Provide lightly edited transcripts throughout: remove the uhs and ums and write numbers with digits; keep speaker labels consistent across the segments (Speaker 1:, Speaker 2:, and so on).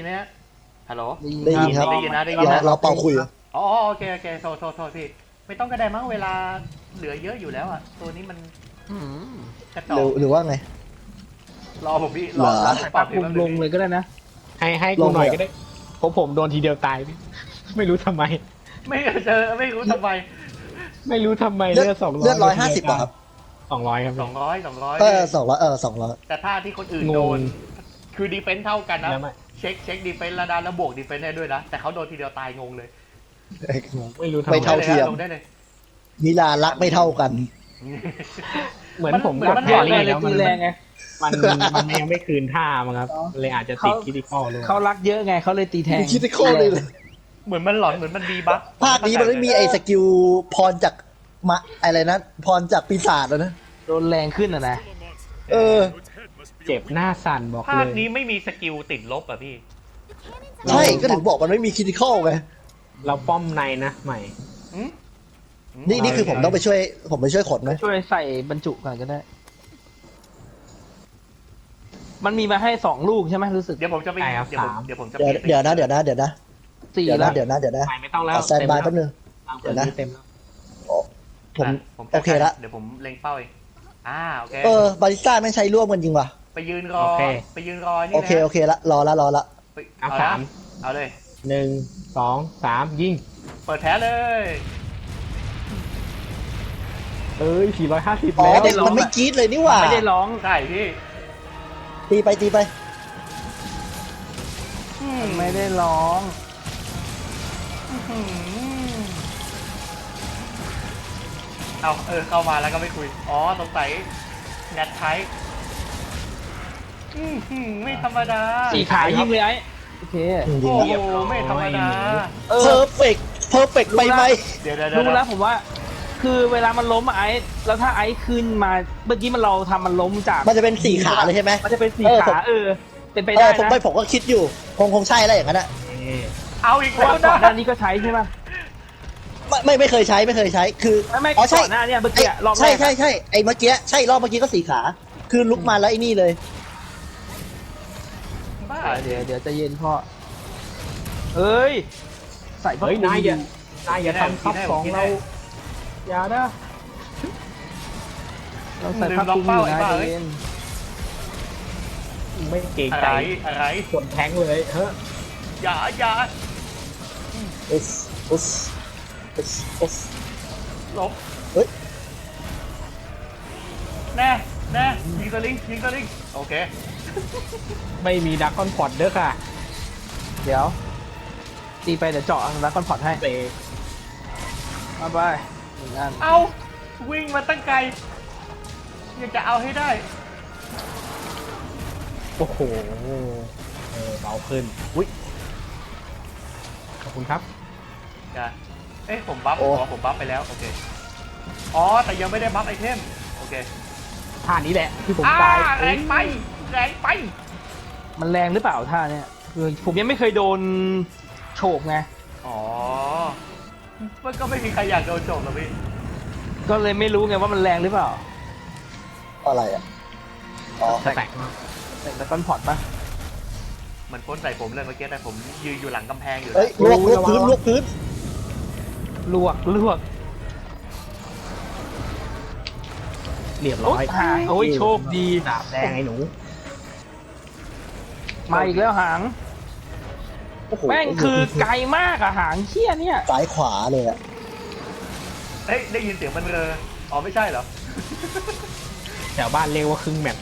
Speaker 1: ยินไหมฮะฮัลโหล
Speaker 2: ได้ยินครับ
Speaker 1: ได้ยินนะได้ยินนะ
Speaker 2: เราเป่าคุย
Speaker 1: อ๋อโอเคโทษพี่ไม่ต้องก็ได้มั้งเวลาเหลือเยอะอยู่แล้วอ่ะตัวนี้มันกระจอก
Speaker 2: หรือว่าไง
Speaker 1: รอผมพี่
Speaker 2: เหรอ
Speaker 1: รอ
Speaker 3: ใส่
Speaker 1: ปรั
Speaker 3: ปั
Speaker 1: บ
Speaker 3: ก
Speaker 1: พี่
Speaker 3: มุม
Speaker 1: แป๊บ
Speaker 3: ล
Speaker 1: นึ
Speaker 3: ง
Speaker 1: ง
Speaker 3: เลยก็ได้นะ
Speaker 4: ให้กูหน่อยก็ได้เพราะผมโดนทีเดียวตายพี่ไม่รู้ทำไม
Speaker 1: ไม่เจอไม่รู้ทำไม
Speaker 4: ไม่รู้ทำไม
Speaker 2: เลือด
Speaker 4: เลือด200
Speaker 2: เลือด150ป่ะครับ
Speaker 4: 200ครับ
Speaker 1: 200
Speaker 2: 200
Speaker 1: แต่ถ้าที่คนอื่น
Speaker 4: งง
Speaker 1: โดนคือดีเฟนซ์เท่ากันนะ
Speaker 4: แล้วไม่
Speaker 1: เช็คดีเฟนซ์ระดับแล้วบวกดีเฟนซ์ได้ด้วยนะแต่เขาโดนทีเดียวตายงงเลย
Speaker 4: ไม่รู้ทำ
Speaker 2: ไม่
Speaker 4: ไม
Speaker 2: เท่าเทียม
Speaker 1: ลงได้เลย
Speaker 2: นิลารักไม่เท่ากัน
Speaker 4: เหมือนผม
Speaker 1: เหมือน
Speaker 4: กับ
Speaker 1: มัน
Speaker 4: แพร
Speaker 3: เยอะ
Speaker 4: รี่
Speaker 3: เลย
Speaker 4: แล้ว
Speaker 3: ตีแรงไง
Speaker 4: มันยังไม่คืนท่ามั้งครับเลยอาจจะติดคิดิคอลเลย
Speaker 3: เขารักเยอะไงเขาเลยตีแทง
Speaker 2: คิดได้ข้อเลยเลย
Speaker 1: เหมือนมันหลอนเหมือนมันดีบัฟ
Speaker 2: ภาคนี้มันไม่มีไอ้สกิลพรจากอะไรนะพรจากปีศาจแล้วนะ
Speaker 3: โดนแรงขึ้นอ่ะนะ
Speaker 2: เออ
Speaker 4: เจ็บหน้าสั่นบอก
Speaker 1: ภา
Speaker 4: เล
Speaker 1: ค
Speaker 4: ย
Speaker 1: นี้ไม่มีสกิลติดลบอ่ะพี่
Speaker 2: ใช่ก็ถึงบอกมันไม่มีคิดข้อไง
Speaker 4: เราป้อมในนะใหม่
Speaker 1: อืม
Speaker 2: นี่คือผมต้องไปช่วยขนไหม
Speaker 3: ช่วยใส่บรรจุก่อนก็ได้ มันมีมาให้2 ลูกใช่ไหมรู้สึก
Speaker 1: เดี๋ยวผมจะไป
Speaker 4: ใช่ครับ
Speaker 1: เดี๋ยวผม
Speaker 4: 3
Speaker 1: เดี๋ยวผมจะ
Speaker 2: เดี๋ยว
Speaker 1: ไป
Speaker 2: เดี๋ยวนะเดี๋ยวนะ
Speaker 3: 4
Speaker 2: เดี๋ยว
Speaker 3: แล้
Speaker 2: นะ
Speaker 3: ว
Speaker 2: เดี๋ยวนะ
Speaker 4: ใหม่ไม่ต้องแล้ว
Speaker 2: ขอแซนบายแป๊บนึง
Speaker 4: เดี๋ยวนะเต็มแล้ว
Speaker 2: ผม
Speaker 1: ผม
Speaker 2: โอเคละ
Speaker 1: เดี๋ยวผมเล็งเป้าเองโอเค
Speaker 2: บาริสต้าไม่ใช้ร่วมกันจริงว่ะ
Speaker 1: ไปยืนรอไปยืนรอนี่
Speaker 2: โอ
Speaker 1: นะ
Speaker 2: เคละรอละ
Speaker 1: ไป
Speaker 4: เอา
Speaker 1: ละ
Speaker 4: 3
Speaker 1: เอาเลย
Speaker 4: 1 2 3ยิง
Speaker 1: เปิดแพ้เลย
Speaker 4: เอ้ย450
Speaker 2: อ๋อ
Speaker 4: แล้ว
Speaker 2: เด็กมันไม่กรี๊ดเลยนี่หว่า
Speaker 3: ไม่ได้ร้อง
Speaker 1: ใช่พี่
Speaker 2: ตีไป
Speaker 3: ไม่ได้ร้อง
Speaker 1: เอาเข้ามาแล้วก็ไม่คุยอ๋อสงสัยแนทไทป์ไม่ธรรมดา
Speaker 3: 4 ขายิงเลยไอ้โอเค
Speaker 1: โอ้โหไม่ธรรมดา
Speaker 2: เพอร์เฟกไปไหม
Speaker 1: เดี๋ยว
Speaker 3: รู้แล้วผมว่า คือเวลามันล้มอะไอ้แล้วถ้าไอ้ขึ้นมาเมื่อกี้เราทำมันล้มจาก
Speaker 2: มันจะเป็น4 ขาเลยใช่ไหม
Speaker 3: มันจะเป็น4 ขาเป็นไป
Speaker 2: เอ
Speaker 3: ได้
Speaker 2: อผม
Speaker 3: นะ
Speaker 2: ผมก็คิดอยู่คงใช่แล้วอย่างนั้นอะ
Speaker 1: เอาอีก
Speaker 3: เพราะ
Speaker 1: แล้ว
Speaker 3: ว่าก่
Speaker 1: นะ
Speaker 3: อนหน้านี้ก็ใช้ใช่ป่ะ
Speaker 2: ไม่เคยใช้คือ
Speaker 3: ไม่
Speaker 2: อ๋อใช่
Speaker 3: ก่อนหน้าเนี่ยเมื่อกี้รอบแร
Speaker 2: ใช่
Speaker 3: กอะ
Speaker 2: ใช่ไอ้เมื่อกี้ใช่รอบเมื่อกี้ก็4 ขา คือลุกมาแล้วไอ้นี่เลย
Speaker 1: บ้า
Speaker 3: เดี๋ยวใจะเย็นพ่อเอ้ย ใส่พ่อ
Speaker 4: เฮ้ย
Speaker 3: คุณ
Speaker 4: นายอย่าทำทับสองเราอย่านะ
Speaker 3: เราใส่ผ้าคลุมอยู่นะใจเย็น
Speaker 4: ไม่เก่ง
Speaker 1: อะ
Speaker 4: ใจ
Speaker 1: ไร
Speaker 4: คนแทงเลยเฮ้ย
Speaker 1: อย่า
Speaker 2: อุสอุสอุสอุส
Speaker 1: ลบ
Speaker 2: เฮ้ย
Speaker 1: แน่ยิงสลิงโอเค
Speaker 4: ไม่มีดักคอนพอดเด้อค่ะ
Speaker 3: เดี๋ยว ตีไปเดี๋ยวเจาะแล้วคอนพอร์ตให้
Speaker 4: เตะ
Speaker 3: มาไป1 อัน
Speaker 1: เอาวิ่งมาตั้งไกลอยากจะเอาให้ได้
Speaker 4: โอ้โหเบาขึ้นอุ้ยขอบคุณครับ
Speaker 1: จ้ะผมบัฟผมบัฟไปแล้วโอเคอ๋อแต่ยังไม่ได้บัฟไอเทมโอเค
Speaker 4: ท่านี้แหละที่ผมตาย
Speaker 1: แรงไป
Speaker 3: มันแรงหรือเปล่าท่าเนี่ยคือผมยังไม่เคยโดนโฉบไง
Speaker 1: อ๋อมันก็ไม่มีใครอยากโดนโจมหรอกพี่
Speaker 3: ก็เลยไม่รู้ไงว่ามันแรงหรือเปล่า
Speaker 2: อะไรอ่ะอ๋อ
Speaker 4: สแต็ก
Speaker 3: แต่คอนพอร์ตปะ
Speaker 1: มันพ่นใส่ผมเลยเมื่อกี้แต่ผมยืนอยู่หลังกำแพงอยู่
Speaker 2: เฮ้ยลวกพื้น
Speaker 3: ลวก
Speaker 4: เรียบร้อย
Speaker 3: โอ้ยโชคดี
Speaker 4: ดาบแดงไอ้หนู
Speaker 3: มาอีกแล้วหาง
Speaker 2: โอ้โห
Speaker 3: แม่งคือไกลมากอะหางเชี่ยเนี่ย
Speaker 2: ซ้ายขวาเลยอ่ะ
Speaker 1: ได้ยินเสียงมันอ๋อไม่ใช่เหรอ
Speaker 4: แถวบ้านเรียกว่าครึ่งแมป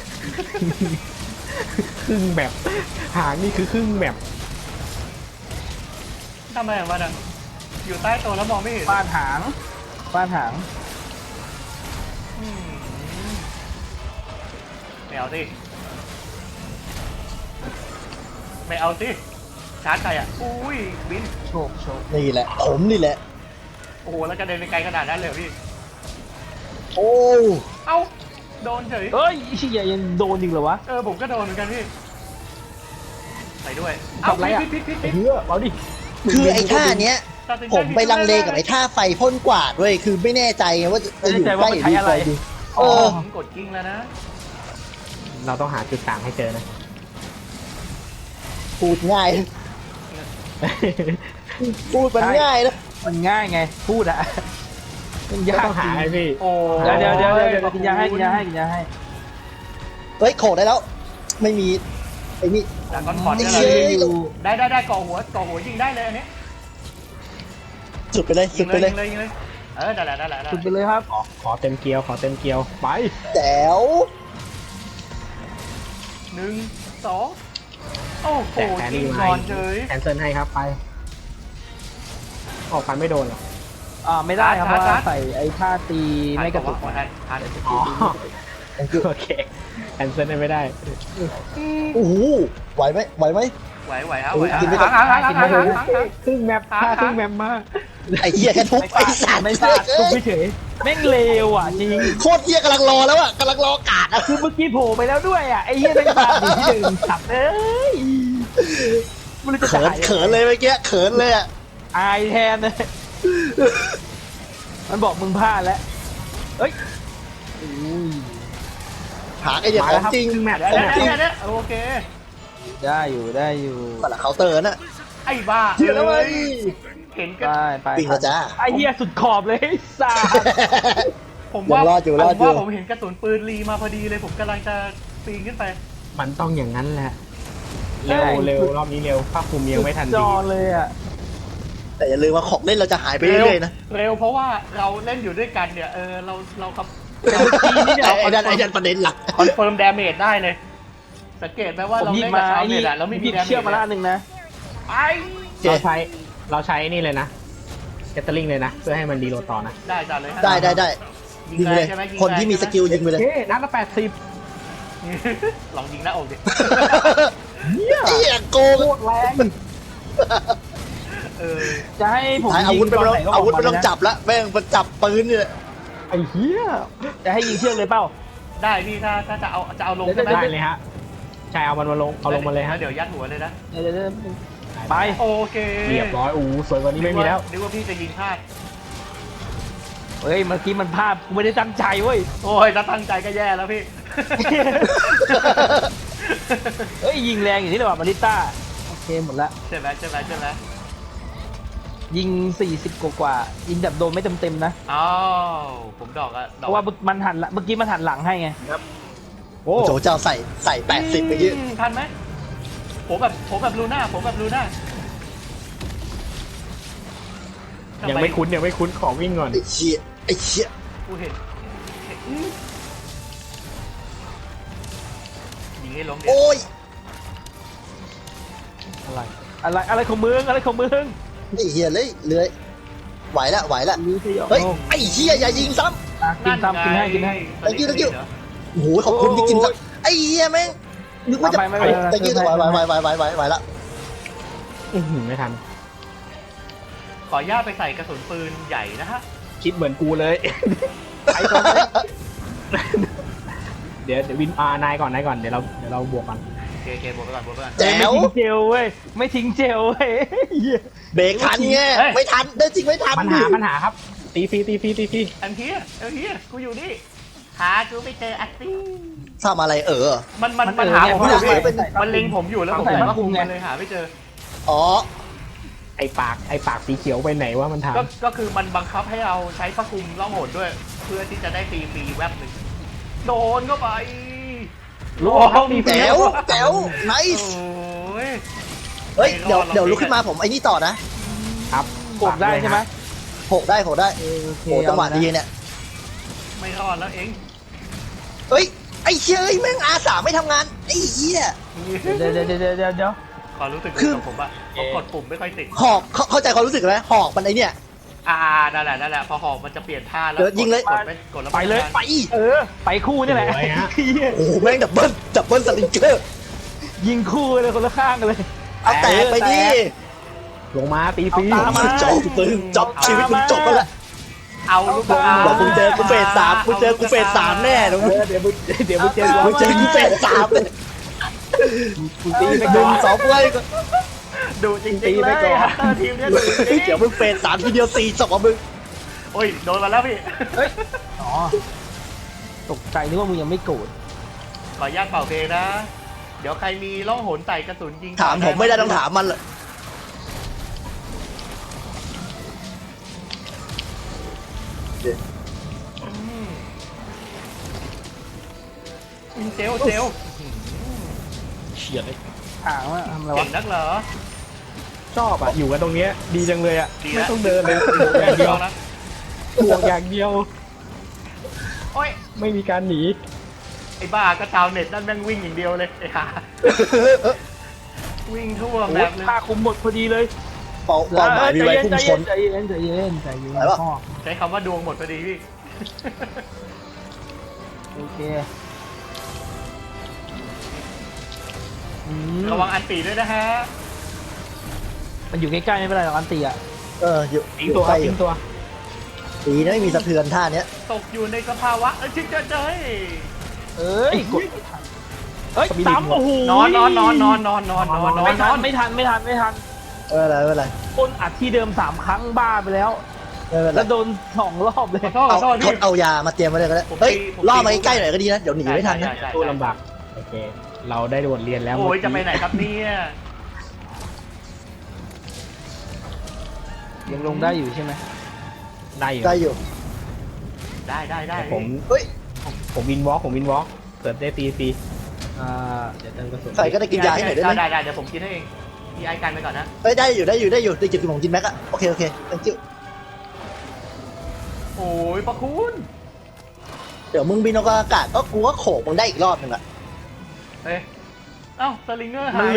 Speaker 4: ครึ่งแมปหางนี่คือครึ่งแมป
Speaker 1: ทำไมมันอ่ะอยู่ใต้โต๊ะแล้วมองไม่เห็น
Speaker 3: ฟาดหาง
Speaker 1: อืมไม่เอาสิชาร์จใครอ่ะอุ้ยบิน
Speaker 3: โชค
Speaker 2: นี่แหละผมนี่แหละ
Speaker 1: โอ้โหแล้วกระเด็นไปไกลขนาดนั้นเลยเหรอพี่
Speaker 2: โอ้
Speaker 1: เอ้าโดนเฉย
Speaker 3: เอ้ยเชี่ยยังโดนจริงเหรอวะ
Speaker 1: ผมก็โดนเหมือนกันพี่ไปด้วย
Speaker 3: ทำไรอะ
Speaker 1: พิษ
Speaker 4: เฮ้ยเอาดิ
Speaker 2: คือไอ้ท่าเนี้ย
Speaker 1: ตัดสินใจ
Speaker 2: ผมไปลังเลกับไอ้ท่าไฟพ่นกวาดด้วยคือไม่แน่ใจไงว่าจะอยู่ใกล้หรืออยู่ไกลดี เออ
Speaker 1: ผมกดกิ้งแล้วนะ
Speaker 4: เราต้องหาจุดต่างให้เจอนะ
Speaker 2: พูดง่าย พูดมันง่ายนะ
Speaker 3: มันง่ายไงพูดอะมัน
Speaker 4: ก็
Speaker 3: ยาก
Speaker 4: ต้องหา
Speaker 3: จริง
Speaker 4: ให้พี่
Speaker 1: โอ้
Speaker 3: เดี๋ยวกินยาให้กินยาให้กินยาให้
Speaker 2: เฮ้ยโขกได้แล้ว ไม่มีไอ้นี่
Speaker 1: แต่ก้อนคอน
Speaker 2: ไอ้
Speaker 1: เนี่ย
Speaker 2: เหี้
Speaker 1: เลย
Speaker 2: ย
Speaker 1: ได้ก่อหัวยิงได้เลยอันนี้
Speaker 2: สุดไปเลย
Speaker 1: ยิ
Speaker 2: สุ
Speaker 1: ง
Speaker 2: ด
Speaker 1: เล
Speaker 2: ไป
Speaker 1: ย
Speaker 2: เลย
Speaker 1: ยิงเลยได้แล้ว
Speaker 3: สุดไปเลยครับ
Speaker 4: ขอเต็มเกลียว ขอเต็มเกลียว ไป
Speaker 2: แจ๋ว
Speaker 1: 1 2โอ้โห
Speaker 4: แต่แอน
Speaker 1: ยิ
Speaker 4: นี่
Speaker 1: ง
Speaker 4: ไ
Speaker 1: ก่อนเฉย
Speaker 4: แคนเซิลให้ครับไป ออกฟันไม่โดนหรอ
Speaker 3: ไม่ได้ครับเพ
Speaker 1: ชาร์
Speaker 3: ราะ
Speaker 1: จ
Speaker 3: ว่าใส่ไอ้ท่าตีไม่กระตุก
Speaker 1: ทัน
Speaker 4: อ๋อ โอเค แคนเซิลให้ไม่ได้
Speaker 2: โอ้โหไหวไหมไหวไหม
Speaker 1: ไหวเอา
Speaker 2: โอ้
Speaker 1: ไหวย
Speaker 2: กินไม่ได้
Speaker 1: หาง
Speaker 4: ครึ่งแมปท่าครึ่งแมปมาก
Speaker 2: ไอ้เหี้ยแค่ทุบไอ้สัตว์
Speaker 3: ไม่พลาดทุกเฉยแม่งเลวอ่ะจริง
Speaker 2: โคตรเหี้ยกำลังรอแล้วอ่ะกำลังรอกาดอ่ะ
Speaker 3: คือเมื่อกี้โผล่ไปแล้วด้วยอ่ะไอ้เหี้ยแม่งพลาดอยู่ที่เดิมสับเลยมันเลยจะ
Speaker 2: เขิน
Speaker 3: จ่าย
Speaker 2: เขินเลยเมื่อกี้เขินเลยอ่ะ
Speaker 3: อายแทนเลยมันบอกมึงพลาดแล้วเอ้ย
Speaker 2: หาไอ้เนี่ยของจริง
Speaker 4: ครึ่งแมป
Speaker 2: ของจริง
Speaker 1: เดี๋ยวโอเค
Speaker 3: ได้อยู่
Speaker 2: มันละเคาน์เตอร์น่ะ
Speaker 1: ไอ้บ้า
Speaker 2: เชื่อแล้วเว้ย
Speaker 1: เห็นกัน
Speaker 3: ไป
Speaker 2: วิ่งแล้วจ้า
Speaker 3: ไอ้เหี้ยสุดขอบเลยสาด
Speaker 1: ผมว่า
Speaker 2: ยังรอดอยู่รอดอยู่
Speaker 1: ผมเห็นกระสุนปืนรีมาพอดีเลยผมกำลังจะปีนขึ้นไป
Speaker 4: มันต้องอย่างนั้นแหละ เร็วรอบนี้เร็วภาคภูมิยังไม่ทัน
Speaker 3: จ
Speaker 4: ดี
Speaker 3: อเลยอ่ะ
Speaker 2: แต่อย่าลืมว่าของเล่นเราจะหายไปเรื่อยๆนะ
Speaker 1: เร็วเพราะว่าเราเล่นอยู่ด้วยกันเนี่ยเราครับ
Speaker 3: แต่เมื่อกี้นี่เนี่ย
Speaker 2: ไอ้นั่นประเด็นหลัก
Speaker 1: คอนเฟิร์มดาเมจได้เลย สังเกตไหมว่า
Speaker 3: ผม
Speaker 1: เรา
Speaker 3: หยิบ
Speaker 1: เล่น
Speaker 3: มา
Speaker 1: กับชาว
Speaker 3: ไอ้
Speaker 1: เน็
Speaker 3: นี่
Speaker 1: ตอะเราไม่
Speaker 3: ห
Speaker 1: มี
Speaker 3: ยิบ
Speaker 1: ดาเมจ
Speaker 3: เชือกมาละอันหนึ่งนะ
Speaker 1: ไอ้
Speaker 4: เราใช้นี่เลยนะแกตเตอร์ลิงเลยนะ เพื่อให้มันดีโหลดต่อนะ
Speaker 1: ได้จัดเลยฮะ
Speaker 2: ได้ยิงเลย
Speaker 1: ใช่ไหมยิง
Speaker 2: คนที่มีสกิลยิงไปเลย
Speaker 4: เฮ้นัดละ80
Speaker 1: ลองยิงหน้าอกดิ
Speaker 2: ไอ้เหี้ยโกง
Speaker 3: โคตรแรง
Speaker 1: เออ
Speaker 3: จะให้ผม
Speaker 2: อาวุธไม่
Speaker 3: ตน
Speaker 2: ต้อง
Speaker 3: หนก็บ
Speaker 2: อา
Speaker 3: อก
Speaker 2: วุธไม่
Speaker 3: มา
Speaker 2: ต้อง
Speaker 3: เลยนะ
Speaker 2: จับละแม่งมันจับปืนเนี่ย
Speaker 4: ไอ้เหี้ย
Speaker 3: จะให้ยิงเชือกเลยเปล่า
Speaker 1: ได้พี่ถ้าจะเอาลง
Speaker 3: เดี๋
Speaker 1: ใช่
Speaker 3: ยว
Speaker 1: ไหม
Speaker 4: ได้เลยฮะ ใช่เอามันมาลง เอาลงมาเลยฮะ
Speaker 1: เดี๋ยวยัดหัวเลยนะ
Speaker 3: เดี๋ยวไป
Speaker 1: โอเค
Speaker 4: เรียบร้อยอู้สวยกว่านี้ไม่มีแล้ว
Speaker 1: นึกว่าพี่จะยิงพลาด
Speaker 3: เฮ้ยเมื่อกี้มันพลาดกูไม่ได้ตั้งใจเว้ย
Speaker 1: โอ้ยถ้าตั้งใจก็แย่แล้วพี่
Speaker 3: เฮ้ยยิงแรงอย่างนี้เลยว่ะมาริต้าโอเคหมดละ
Speaker 1: ใช่ไหม
Speaker 3: ยิง40กว่ายิงแบบโดนไม่เต็มๆนะ
Speaker 1: อ้าวผมดอกอะ
Speaker 3: เพราะว่ามันหันเมื่อกี้มันหันหลังให้ไง
Speaker 4: โอ้
Speaker 2: โจเจ้าใส่80ไปยี่
Speaker 1: ทันไหมผมแบบลูน่า
Speaker 4: ยังไม่คุ้นขอวิ่งก่อน
Speaker 2: ไอ้เชี่ย
Speaker 1: กูเห็นยิงให้ล้มดิ
Speaker 2: โอ้ย
Speaker 3: อะไรของมึงอะไรของมึง
Speaker 2: ไอ้เหี้ยเลยเลื้อยไหวละ
Speaker 3: รู้สิ
Speaker 2: เฮ้ยไอ้เหี้ยอย่ายิงซ้
Speaker 3: กินตามกินให้
Speaker 2: thank you ำโอ้โหขอบคุณที่กินซ้ำไอ้เหี้ยแม่งนึกว่าจะ
Speaker 3: ไม่
Speaker 2: ตะกี้ไหวละ
Speaker 4: ไม่ทัน
Speaker 1: ขออนุญาตไปใส่กระสุนปืนใหญ่นะฮะ
Speaker 4: คิดเหมือนกูเลย ไปก่อนเลย เดี๋ยววินนายก่อน เดี๋ยวเราบวกกัน
Speaker 1: โอเคบวกไปก่อน
Speaker 2: แจ๋
Speaker 3: ไม่
Speaker 2: ว
Speaker 3: ทิ้งเจลเว้ยไม่ทิ้งเจลเว้ย
Speaker 2: เบรกทันไงไม่ทันได้จริงไม่ทัน
Speaker 4: ปัญหาครับ ตีฟรี
Speaker 1: อันเฮียกูอยู่นี่หากูไม่เจออัตตี้
Speaker 2: ทำอะไร
Speaker 1: มันหาผมอยู่พี่มันเล็งผมอยู่แล้วผมเลยว่าคุมมันเลยหาไม่เจอ
Speaker 2: อ๋อ
Speaker 4: ไอปากสีเขียวไปไหนว่ามันถาม
Speaker 1: ก็คือมันบังคับให้เราใช้พระคุมล่องหนด้วย เพื่อที่จะได้ฟรีแวบหนึ่งโดนเข้าไป
Speaker 4: รู้ครับตีฟรี
Speaker 2: แจ๋วไน
Speaker 1: โอ้
Speaker 2: ส์
Speaker 1: ย
Speaker 2: เฮ้ยเดี๋ยวลุกขึ้นมาผมไอ้นี่ต่อนะครับ
Speaker 3: กดได้ใช่ไหม
Speaker 2: โหกได้
Speaker 3: โอเค
Speaker 2: โหจังหวะดีเนี่ย
Speaker 1: ไม่รอดแล้วเอง
Speaker 2: เฮ้ยไอ้เชี่ยแม่งอาสาไม่ทำงานไอ้เหี้ย
Speaker 3: เดี๋ยว
Speaker 1: ขอรู้สึก
Speaker 2: คือ
Speaker 1: ของผมอะผมกดปุ่มไม่ค่อยติด
Speaker 2: หอกเข้าใจความรู้สึกไหมหอกมันไอเนี่ย
Speaker 1: นั่นแหละพอหอกมันจะเปลี่ยนท่าแล้ว
Speaker 2: เดี๋ยวยิงเลย
Speaker 1: กดแล้ว
Speaker 3: ไปเลย
Speaker 2: ไป
Speaker 3: ไปคู่นี่แหละ
Speaker 2: โอ้โหแม่งดับเบิ้ลสลิงเกอร์
Speaker 3: ยิงคู่เลยคนละข้างกันเลย
Speaker 2: เอาแตกไปดิ
Speaker 4: ลงมาตีฟรี
Speaker 3: เอาตามมา
Speaker 2: จบชีวิตมึงจบแล้วล่ะ
Speaker 1: เอาลูก
Speaker 2: เดี๋ยวมึงเจอกูเฟส 3มึงเจอกูเฟส 3แน่นะมึง
Speaker 4: เดี๋ยวมึงเจอ
Speaker 2: มึงเจอกูเฟส 3เลย
Speaker 3: กูตีไป
Speaker 2: ห
Speaker 3: ก่
Speaker 2: นึ่
Speaker 3: องน
Speaker 2: สองเลย
Speaker 1: ดูจริงๆเลยทีมเนี้ยดูจริง
Speaker 2: เดี๋ยวมึงเฟส 3ทีเดียว4จบอ่ะมึง
Speaker 1: โอ้ยโดนมาแล้วพี่
Speaker 3: อ๋อตกใจนึกว่ามึงยังไม่โกรธ
Speaker 1: ขออนุญาตเป่าเพลงนะเดี๋ยวใครมีล่องหนใส่กระสุนยิง
Speaker 2: ถามผมไม่ได้ต้องถามมันเลย
Speaker 1: เจลเจล
Speaker 4: เฉียดเลย
Speaker 3: ถามว่าทำอะไร
Speaker 1: เก่
Speaker 3: วะ
Speaker 1: งนักเหรอ
Speaker 4: ชอบอ่ะอยู่กันตรงเนี้ยดีจังเลยอ่ะ
Speaker 1: ดี
Speaker 4: ไม่
Speaker 1: แล้ว
Speaker 4: ต้องเดินเลยบวกอย่างเดียว
Speaker 1: นะ
Speaker 4: บวกอย่างเดียว
Speaker 1: โอ้ย
Speaker 4: ไม่มีการหนี
Speaker 1: ไอ้บ้าก็ชาวเน็ตนั่นแม่งวิ่งอย่างเดียวเลยไอ้ห่าวิ่งทั่ว
Speaker 3: โอ้
Speaker 1: แบ
Speaker 3: ย
Speaker 1: บเลย
Speaker 3: ค่าคุมหมดพอดีเลย
Speaker 2: เป้าหมายมีไว้พุ่งชน
Speaker 3: ใจเย็นใจเย็นใจเย็น
Speaker 2: ไหนวะ
Speaker 3: พ่อ
Speaker 1: ใช้คำว่าดวงหมดพอดีพี่
Speaker 3: โอเคอืม
Speaker 1: ระวังอันตีด้วยนะฮะ
Speaker 3: มันอยู่ใกล้ๆไม่เป็นไรหรอกอันตีอ่ะ
Speaker 2: อยู่
Speaker 4: ทิ้งตัวครับทิ้งตัว
Speaker 2: ตีนะไม่มีสะเทือนท่าเนี้ย
Speaker 1: ตกอยู่ในสภาวะชิดเจย
Speaker 3: เอ้ยกดเอ้ยซ้ำโอ้โห
Speaker 1: นอน
Speaker 3: ไม่ทัน
Speaker 2: ไม่เป็นไร
Speaker 3: คนอัดที่เดิม3 ครั้งบ้าไปแล้ว
Speaker 2: ไม่เป็นไร
Speaker 3: แล้วโดน2 รอบเลย
Speaker 1: ขอโทษ
Speaker 2: เอา
Speaker 1: พี่
Speaker 2: เอายามาเตรียมไว้เลยก็ได้เฮ้ยล่อมาใกล้ๆหน่อยก็ดีนะเดี๋ยวหนีไม่ทันนะ
Speaker 4: สู้ลำบากโอเค เราได้บทเรียนแล้ว
Speaker 1: โอ้ยจะไปไหนครับเนี่ย
Speaker 3: ยังลงได้อยู่ใช่ไหม
Speaker 4: ได้อยู่
Speaker 2: ได้อยู่
Speaker 1: ได้
Speaker 4: แต่ผม
Speaker 2: เฮ้ย
Speaker 4: ผมวินวอล์กเกิดได้ตี เดี๋ยวเติมกระสุน
Speaker 2: ใส่ก็ได้กินยาให้หน่อยได้ไหม
Speaker 1: ได้เดี๋ยวผมกินให้เองพี่ไอกันไปก่อนนะ
Speaker 2: เฮ้ยได้อยู่ได้จิบผมกินแม็กอะโอเค thank you
Speaker 1: โอ้ยพระคุณ
Speaker 2: เดี๋ยวมึงบินอากาศก็กูก็โขกมึงได้อีกรอบหนึงอะ
Speaker 1: เอ้ยเอ้าสลิงเกอร์หา
Speaker 3: มัน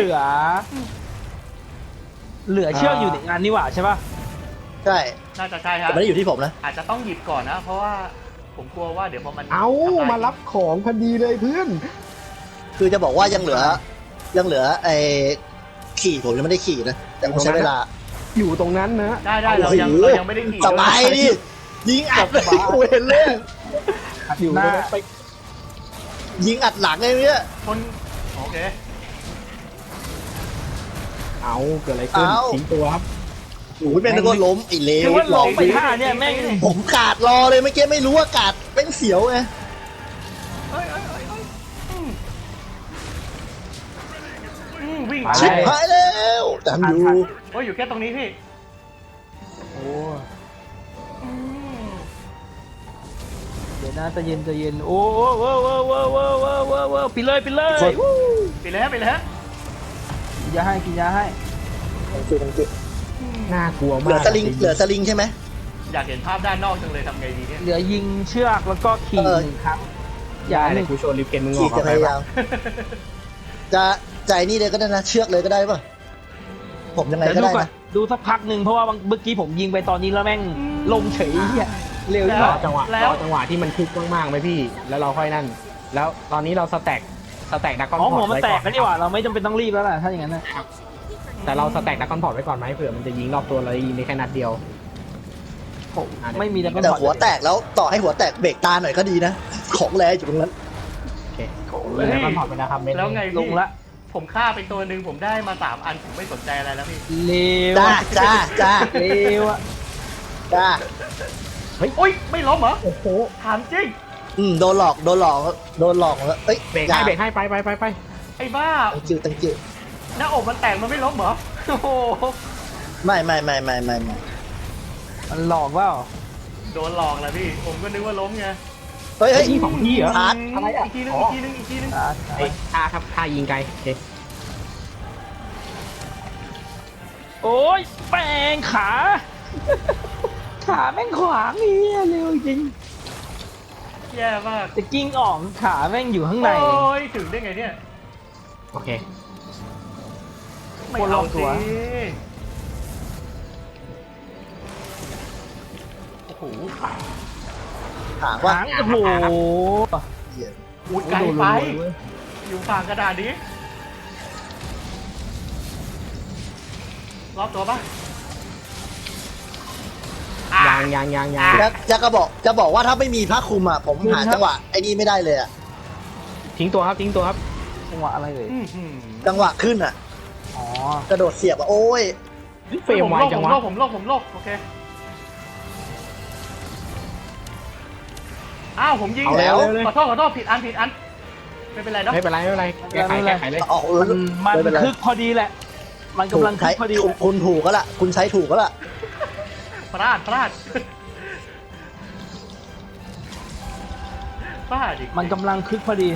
Speaker 1: ย
Speaker 3: เหลือเชือกอยู่ในงานนี่หว่าใช่ป่ะ
Speaker 2: ใช่
Speaker 1: น่าจะใช่ครั
Speaker 2: แต่
Speaker 1: บ
Speaker 2: ไม่ได้อยู่ที่ผมนะ
Speaker 1: อาจจะต้องหยิบก่อนนะ เพราะว่าผมกลัวว่าเดี๋ยวพอมัน
Speaker 4: เอา
Speaker 1: ทำลย
Speaker 4: มารับของพอดีเลยเพื่อน
Speaker 2: คือจะบอกว่ายังเหลือไอ้ขี่ผมยังไม่ได้ขี่นะแต่ผมใช้เวลา
Speaker 4: อยู่ตรงนั้นนะ
Speaker 1: ได้เรายังไม่ได้ขี่
Speaker 2: สบายดิยิงอัดเลยกูเห็นเลย
Speaker 4: อยู่ตรงนั้นไป
Speaker 2: ยิงอัดหลังไอ้เนี่ย
Speaker 1: คนโอเค
Speaker 4: เอาเกิดอะไรขึ้น
Speaker 2: เอา
Speaker 4: ทิ้งตัวครับ
Speaker 2: โอ้ยเป็นคนล้มไอ้เล
Speaker 3: คือ
Speaker 2: ว
Speaker 3: ว่าลงไปท่าเนี่ยแม่ง
Speaker 2: ผมกาดรอเลยเมื่อกี้ไม่รู้ว่ากาดเป็นเสียวไง
Speaker 1: เอ้ยวิ่ง
Speaker 2: ชิบหายแล้วจำอยู่
Speaker 1: โอ้ยอยู่แค่ตรงนี้พี่
Speaker 3: โอ้เดี๋ยวนะใจเย็นโอ้ปิดเลยวู้
Speaker 1: ไปเลยฮะ
Speaker 3: กินยาให้
Speaker 4: น่ากลัว
Speaker 2: เห
Speaker 4: มาก
Speaker 2: ลือสลิงใช่ไหม
Speaker 1: อยากเห็นภาพด้านนอกจังเลยทำไงดีเนี่ย
Speaker 3: เหลือยิงเชือกแล้วก็ขี่1 ครั้งอย่า
Speaker 4: ได้
Speaker 3: ห
Speaker 4: เล
Speaker 3: นึ่
Speaker 4: ย
Speaker 3: ง
Speaker 4: กูโชว์ลิฟเกนมึงอ
Speaker 2: ขี่
Speaker 4: อก
Speaker 2: จะ
Speaker 4: เอา
Speaker 2: พ
Speaker 4: ไป
Speaker 2: ยา
Speaker 4: ปะ
Speaker 2: ยามจะใจนี่เลยก็ได้นะเชือกเลยก็ได้ป่ะผมยังไง
Speaker 3: เดี๋ยว
Speaker 2: ก็
Speaker 3: ดู
Speaker 2: ได้
Speaker 3: ก่อน
Speaker 2: นะ
Speaker 3: ดูสักพักหนึ่งเพราะว่าเมื่อกี้ผมยิงไปตอนนี้แล้วแม่งลงเฉยเหี้ยเร็วที่
Speaker 4: ร
Speaker 3: สุ
Speaker 4: อ
Speaker 3: ด
Speaker 4: จังหวะที่มันคึกมากๆไหมพี่ แล้วเราค่อยนั่น แล้วตอนนี้เราสแต็กดักคอนพ
Speaker 3: อ๋อ
Speaker 4: อร์ต
Speaker 3: หัวมัน
Speaker 4: ไว้
Speaker 3: แต
Speaker 4: ก่
Speaker 3: กแล้วนี่หว่าเราไม่จำเป็นต้องรีบแล้วล่ะถ้าอย่างนั้นนะ
Speaker 4: แต่เราสแต็กดักคอนพอร์ตไว้ก่อนไหมเผื่อมันจะยิงรอบตัวเรายิงได้แค่นัดเดียว
Speaker 3: ผมไม่มีแต่ก็
Speaker 2: แต่หัวแตกแล้วต่อให้หัวแตกเบรกตาหน่อยก็ดีนะของแรงอยู่ตรงนั้น
Speaker 4: โอเคดักคอนพอร์ตไปนะครับเม็ด
Speaker 1: แล้วไง
Speaker 3: ล
Speaker 1: พี่
Speaker 3: งละ
Speaker 1: ผมฆ่าไปตัวหนึ่งผมได้มา3 อันผมไม่สนใจอะไรแล้วพี่
Speaker 3: เร็ว
Speaker 2: จ้า
Speaker 3: เร็วอะ
Speaker 1: โอ้ยไม่ล้มเหรอ
Speaker 4: โอ้โห
Speaker 1: ถามจริง
Speaker 2: โดนหลอกแล้วเอ้ย
Speaker 4: เบรกให้ไป
Speaker 1: ไอ้บ้า
Speaker 2: ตั้งจิว
Speaker 1: หน้าอกมันแตกมันไม่ล้มเหรอโอ้โห
Speaker 2: ไม่
Speaker 3: มันหลอกว่า
Speaker 1: โดนหลอกแหละพี่ผมก็นึกว่าล้มไง
Speaker 2: เฮ้ย
Speaker 4: ที่ของพี่เหรอ
Speaker 2: พาร์ท
Speaker 1: อีกทีนึง
Speaker 4: ไอ้ท่ายิงไกลโอเค
Speaker 3: โอ้ยแป้งขา ขาแม่งขวางเฮียเร็วจริง
Speaker 1: แย่มาก
Speaker 3: จะกิ้งออกขาแม่งอยู่ข้างใน
Speaker 1: โอ้ยถึงได้ไงเนี่ย
Speaker 4: โอเค
Speaker 1: ไม่เอาสิโอ้โห
Speaker 2: ถามว่า
Speaker 3: หางโอ้โห
Speaker 1: อุ้ยไกลไปอยู่ฝั่งกระดาษนี้รอบตัวปะ
Speaker 4: ยัง
Speaker 2: จะบอกว่าถ้าไม่มีผ้าคลุมอ่ะผมหาจังหวะไอ้นี่ไม่ได้เลยอ่ะ
Speaker 4: ทิ้งตัวครับ
Speaker 3: จังหวะอะไรเลย
Speaker 2: จังหวะขึ้นอ่ะ
Speaker 3: อ๋อก
Speaker 2: ระโดดเสียบอ่ะโอ้ย
Speaker 4: เฟรมไวจังวะ
Speaker 1: ผมโลกโอเคอ้าวผมยิง
Speaker 2: เอาแล้ว
Speaker 1: ขอโทษผิดอันไปไม่เป็นไรเนาะ
Speaker 3: ไม่เป็นไรไม่เป็นไรแก้ไขเลย
Speaker 2: ออก
Speaker 3: มัน
Speaker 2: ไม่เป็นไร
Speaker 3: คึกพอดีแหละ มันกำลังคึกพอดี
Speaker 2: คุณถูกก็ละคุณใช้ถูกก็ละ
Speaker 1: พลาดพลาดอีก
Speaker 3: มันกำลังคึกพอดี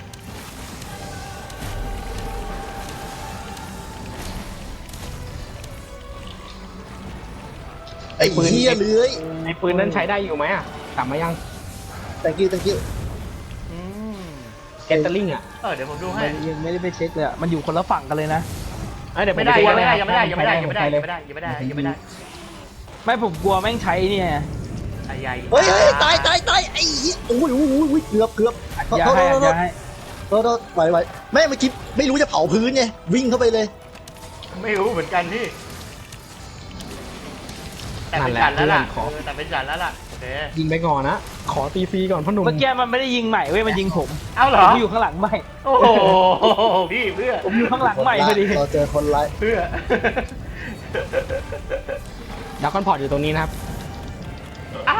Speaker 2: ไอ้เหี้ยเลื้อย
Speaker 3: ไอ้ปืนนั้นใช้ได้อยู่ไหมอ่ะกลับมายัง
Speaker 2: thank you
Speaker 1: อืม
Speaker 3: แกตเตอร์ลิงอ่ะ
Speaker 1: เดี๋ยวผมดูให้
Speaker 3: ยังไม่ได้ไปเช็คเลยอ่ะมันอยู่คนละฝั่งกันเลยนะ
Speaker 1: ยังไม่ได้ยังไม่ได้ยังไม่ได้ยังไม่ได้ยังไม่ได้ยังไม่ได้ยังไม่ได้ยังไม่ได้
Speaker 3: ไม่ผมกลัวแม่งใช้เนี่ย
Speaker 1: ไอ้ใหญ่
Speaker 2: เฮ้ยตายไอ้เหี้ยโอ้ยเกือบ
Speaker 3: อย่าให้อย่าให้
Speaker 2: โทษไหวแม่เมื่อกี้ไม่รู้จะเผาพื้นไงวิ่งเข้าไปเลย
Speaker 1: ไม่รู้เหมือนกันพี่แต่เป็นจันแล้วล่ะแต่เป็นจันแล้วล่ะโอเค
Speaker 3: ยิงไปก่อนนะขอตีฟรีก่อนพ่อหนุ่มเมื่อกี้มันไม่ได้ยิงใหม่เว้ยมันยิงผม
Speaker 1: เอ้าเหรอ
Speaker 3: ผมอยู่ข้างหลังใหม่
Speaker 1: โอ้โหพี่เพื่อ
Speaker 3: ผมอยู่ข้างหลังใหม่พอดี
Speaker 2: เราเจอคนร้าย
Speaker 1: เพื่อ
Speaker 3: ดาวคอนพอร์ตอยู่ตรงนี้นะครับ
Speaker 1: อ้า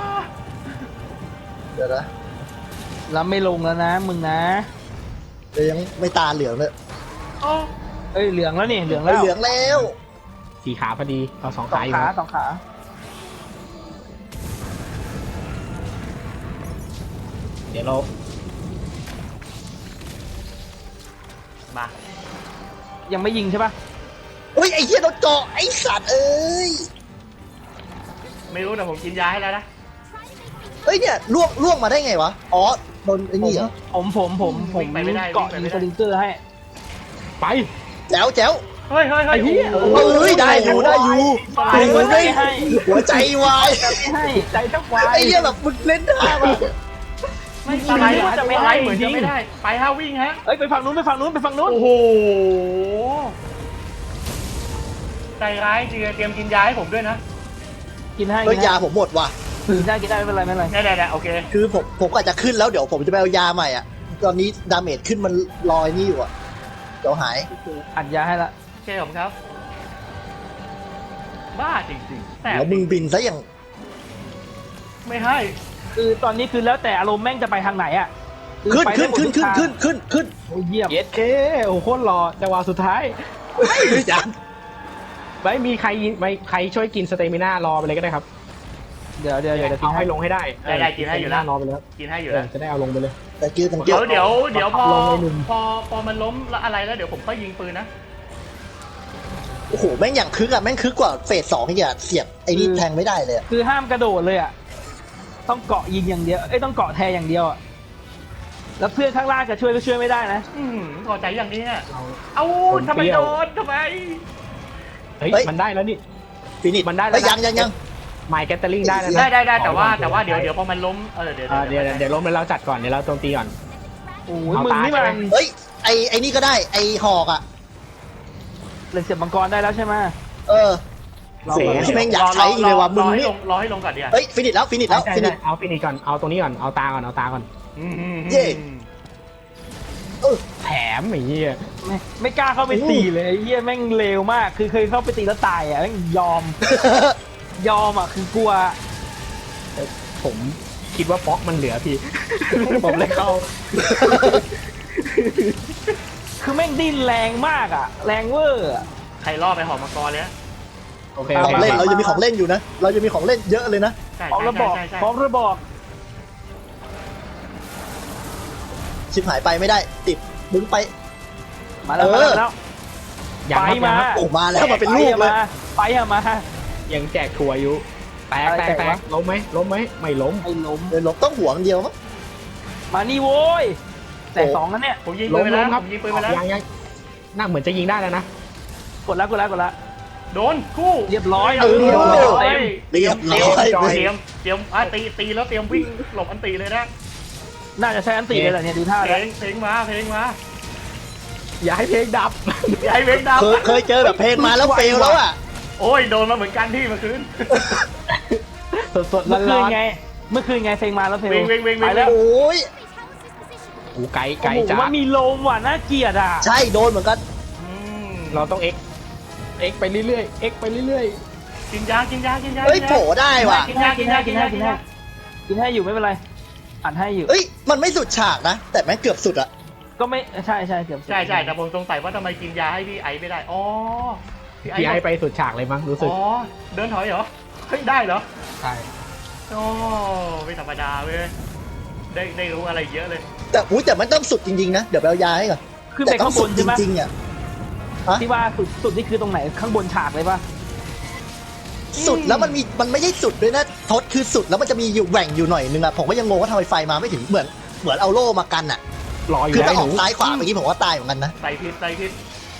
Speaker 2: เดี๋ยวนะ
Speaker 3: แล้วไม่ลงแล้วนะมึงนะ
Speaker 2: เดี๋ยวยังไม่ตาเหลืองเลย
Speaker 1: โอ้
Speaker 3: เอ้ยเหลืองแล้วนี่เหลือง
Speaker 2: ไม่
Speaker 3: แล้ว
Speaker 2: เหลืองแล้ว
Speaker 3: สีขาพอดีเอาสอง
Speaker 4: สอง
Speaker 3: ขาอยู่
Speaker 4: ขา
Speaker 3: นะ
Speaker 4: สองขา
Speaker 3: เดี๋ยวเรา
Speaker 1: มา
Speaker 3: ยังไม่ยิงใช่ปะ
Speaker 2: เฮ้ยไอ้เหี้ยโดนเจาะไอ้สัตว์เอ้ย
Speaker 1: ไม่รู้แต่ผมกินยาให้แล้วนะ
Speaker 2: เฮ้ยเนี่ยล่วงมาได้ไงวะอ๋อโดนไอ้นี่เหรอ
Speaker 3: ผมเกาะยิงสลิงเกอร์ให้ ไป
Speaker 2: แจ๋ว
Speaker 1: เฮ้ย
Speaker 3: ไอ้เหี้ย
Speaker 2: เฮ้ยได้อยู่
Speaker 3: สไลด์
Speaker 2: โอ้ย
Speaker 3: ไม่ให้
Speaker 2: หัวใจวาย
Speaker 3: ไม่ให้ใจแทบวาย
Speaker 2: ไอ้เหี้ยแบบมึงเล่นท่ามา
Speaker 1: ไม่สไลด์จะไม่ได้เหมือนจะไม่ได้ ไปฮะวิ่งฮะ
Speaker 3: เอ้ยไปฝั่งนู้นไปฝั่งนู้นไปฝั่งนู้น
Speaker 1: โอ้โหใจร้ายจริงเตรียมกินยาให้ผมด้วยนะ
Speaker 3: กินให้
Speaker 2: เฮ้ยยาผมหมดว่ะ
Speaker 3: กินได้ไม่เป็นไรไม่เป็นไร
Speaker 1: ได้โอเค
Speaker 2: คือผมก็อาจจะขึ้นแล้วเดี๋ยวผมจะไปเอายาใหม่อ่ะตอนนี้ดาเมจขึ้นมันลอยนี่อยู่อ่ะเดี๋ยวหาย
Speaker 3: อัดยาให้ละ
Speaker 1: โอเคผมครับ บ้าจริงๆแต่
Speaker 2: แล้วมึงบินซะอย่าง
Speaker 1: ไม่ให้
Speaker 3: คือตอนนี้คือแล้วแต่อารมณ์แม่งจะไปทางไหนอ่ะ
Speaker 2: ขึ้น
Speaker 3: ไปได้หมดทุกทาง
Speaker 2: ขึ้น
Speaker 3: โอ้ยเยี่ยม
Speaker 4: เย็ดเคโอ้โหโคตรหล่อจังหวะสุดท้าย
Speaker 2: ยัง
Speaker 4: ไม่มีใครใครช่วยกินสเตมิน่ารอไปเลยก็ได้ครับ
Speaker 3: เดี๋ยว
Speaker 4: เอาให้ลงให้ได้
Speaker 1: ได้กินให้อยู่แล้ว
Speaker 4: รอไปแล้ว
Speaker 1: กินให้อยู่แล้ว
Speaker 4: จะได้เอาลงไปเลย
Speaker 2: แต่กิ้ว
Speaker 1: เดี๋ยวพอ
Speaker 4: ลงไอ้หนุ่ม
Speaker 1: พอมันล้มแล้วอะไรแล้วเดี๋ยวผมค่อยยิงปืนนะ
Speaker 2: โอ้โหแม่งอย่างคึกอ่ะแม่งคึกกว่าเฟส2อีกอ่ะเสียบไอ้นี่แทงไม่ได้เลยอะ
Speaker 3: คือห้ามกระโดดเลยอ่ะต้องเกาะยิงอย่างเดียวเอ้ยต้องเกาะแทงอย่างเดียวอ่ะแล้วเพื่อนข้างล่างจะช่วยก็ช่วยไม่ได้นะ
Speaker 1: พอใจอย่างนี้เนี่ยเอ้าทำไมโดนทำไม
Speaker 4: เฮ้ยมันได้แล้วนี่
Speaker 2: ฟินิช
Speaker 4: มันได้แล้ว
Speaker 2: เฮ้ย
Speaker 4: นะ
Speaker 2: ยัง
Speaker 4: ไมค์แกตเตอร์ลิงได้แล้วนะ
Speaker 1: ได้แต่ว่าเดี๋ยวพอมันล้มเดี๋ยว
Speaker 4: เดี๋ยวล้มแล้วเราจัดก่อนเดี๋ยวเราโจมตีก่อน
Speaker 3: โอ้ย
Speaker 4: เอา
Speaker 3: มึง
Speaker 4: ตา
Speaker 3: นี่มัน
Speaker 4: ใช่ไหม
Speaker 2: เฮ้ยไอ้นี่ก็ได้ไอ้หอกอ่ะ
Speaker 3: เลยเสียบมังกรได้แล้วใช่ไหม
Speaker 2: เออโอ้โหแม่งอยากใช้อีกเลยว่ะมึงนี่
Speaker 1: รอให้ลงก่อนเดี๋ยว
Speaker 2: เฮ้ยฟินิชแล้วฟินิช
Speaker 4: ใช่
Speaker 2: แล้ว
Speaker 4: ฟินิชก่อนเอาตรงนี้ก่อนเอาตาก่อนเอาตาก่อน
Speaker 2: เย่
Speaker 4: แถมไอ้เหี้ย
Speaker 3: ไม่กล้าเข้าไปตีเลยไอ้เหี้ยแม่งเลวมากคือเคยเข้าไปตีแล้วตายอ่ะแม่งยอมอ่ะคือกลัว
Speaker 4: ผมคิดว่าป๊อกมันเหลือพี่ ผมเลยเข้า
Speaker 3: คือแม่งดิ้นแรงมากอ่ะแรงเวอร์อะ
Speaker 1: ใครล่อไปหอมังกรเลย
Speaker 4: โอเค
Speaker 2: ของเล่นเรายังมีของเล่นอยู่นะเรายังมีของเล่นเยอะเลยนะ
Speaker 1: ใช่
Speaker 3: พร้อมระบอกพร้อมระบอก
Speaker 2: ชิบหายไปไม่ได้ติดมึงไป
Speaker 3: มาแล้ว
Speaker 2: เออ
Speaker 3: มาแล้ว
Speaker 4: อย่าง
Speaker 3: ไปมา
Speaker 2: โอ้มาแล้วมาเป็นลูกเลย
Speaker 3: ไปอะมา
Speaker 4: ยังแจกถั่วอยู่แตกล้มไหมไม่ล้ม
Speaker 3: ไอ้ล้ม
Speaker 2: เดินหลบต้องหัวมันเดียวมั้ง
Speaker 3: มานี่โว้ยแต่สองนั้นเนี่ย
Speaker 1: ผมยิงปืนไปแล้วผมยิงปืนไปแล้ว
Speaker 4: ยังน่าเหมือนจะยิงได้แล้วนะ
Speaker 3: กดแล้ว
Speaker 1: โดนคู่
Speaker 3: เรียบร้อย
Speaker 2: เรียบร้อย
Speaker 3: เต็ม
Speaker 2: เรียบร้อย
Speaker 1: เตรียมตีแล้วเตรียมวิ่งหลบอันตีเลยนะ
Speaker 3: น่าจะใช้อันตีเลยแหละเนี่ยดูท่า
Speaker 1: เพล
Speaker 3: แล้ว
Speaker 1: งมา
Speaker 4: อย่าให้เพลงดับ
Speaker 1: ใหญ่เวงดาว
Speaker 2: เคยเจอแบบเพลงมาแล้วเฟลแล้วอ่ะ
Speaker 1: โอ้ยโดนมาเหมือนกันที่เมื่อคืน
Speaker 4: สดๆ
Speaker 3: เมื่อคื
Speaker 4: ร้
Speaker 3: น
Speaker 4: อน
Speaker 3: ไงเมื่อคืนไงเพลงมาแล้วเพลง
Speaker 1: วิ่ง
Speaker 3: ไปแล้ว
Speaker 2: โอ้ย
Speaker 4: ๆกูไกล
Speaker 3: โอ้โห
Speaker 4: จ้า
Speaker 3: มันมีลมว่ะน่าเกลียดอ่ะ
Speaker 2: ใช่โดนเหมือนกัน
Speaker 4: เราต้องเอ็กไปเรื่อยๆไปเรื่อย
Speaker 1: กินยา
Speaker 2: เฮ้ยโผล่ได้ว่ะ
Speaker 1: กินยา
Speaker 3: กินให้อยู่ไม่เป็นไรอัดให้อยู่
Speaker 2: เฮ้ยมันไม่สุดฉากนะแต่แม่งเกือบสุดอะ
Speaker 3: ก็ไม่ใช่ใช่เกือบ
Speaker 1: ใช่ใช่แต่ผมสงสัยว่าทำไมกินยาให้พี่ไอไม่ได้อ๋อพี่
Speaker 4: พี่ไอ
Speaker 1: ไอ
Speaker 4: ไปสุดฉากเลยมั้งรู้สึก
Speaker 1: อ๋อเดินถอยเหรอเฮ้ยได้เหรอ
Speaker 4: ใช่
Speaker 1: โอ้ไม่ธรรมดาเว้ยได้รู้อะไรเยอะเลย
Speaker 2: แต่มันต้องสุดจริงๆนะเดี๋ยวไปเอายาให้ก่อน
Speaker 3: ขึ้น
Speaker 2: แต่
Speaker 3: ไป
Speaker 2: ต้อ
Speaker 3: ข้าง งบ
Speaker 2: สุด
Speaker 3: น
Speaker 2: จ
Speaker 3: ใช่ไหม
Speaker 2: ริงๆอ่ะ
Speaker 3: ที่ว่าสุดนี่คือตรงไหนข้างบนฉากเลยปะ
Speaker 2: สุดแล้วมันไม่ใช่สุดด้วยนะทศคือสุดแล้วมันจะมีอยู่แหว่งอยู่หน่อยนึงอ่ะผมก็ยังงงว่าทำไมไฟมาไม่ถึงเหมือนเอาโล่มากันอ่ะ
Speaker 4: รออยู่
Speaker 2: คือ
Speaker 4: ได้
Speaker 2: ถ้าอ
Speaker 4: ห
Speaker 2: อ
Speaker 4: นู
Speaker 2: กซ้ายขวาเมื่อกี้ผมว่าตายเหมือนกันนะ
Speaker 1: ใส่พิษใส่พิษ